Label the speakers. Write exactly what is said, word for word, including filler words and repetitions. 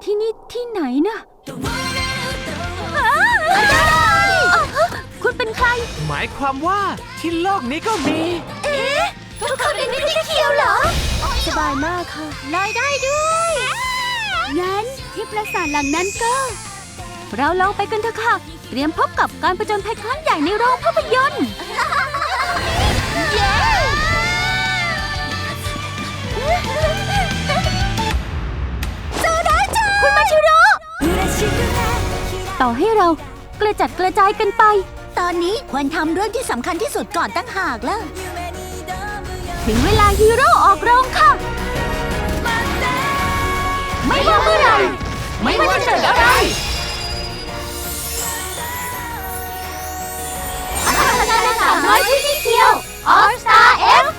Speaker 1: ที่นี่ที่ไหนนะคุณเป็นใคร
Speaker 2: หมายความว่าที่โลกนี้ก็มี
Speaker 1: เอ๊ะทุกคนเป็นนิติเคียวเหรอสบายมากค่ะลอยได้ด้วยงั้นที่ปราสาทหลังนั้นก็เราลองไปกันเถอะค่ะเตรียมพบกับการประจนภัยครั้งใหญ่ในโรงภาพยนตร์เย้โซดาจังคุณมาชิโร่ต่อให้เรากระจัดกระจายกันไปตอนนี้ควรทำเรื่องที่สำคัญที่สุดก่อนตั้งหากแล้วถึงเวลาฮีโร่ออกโรงค่ะไม่ว่าเมื่อไหร่ไม่ว่าจะเกิดอะไรพัฒนาการสามร้อยที่นี่เคียว All Star F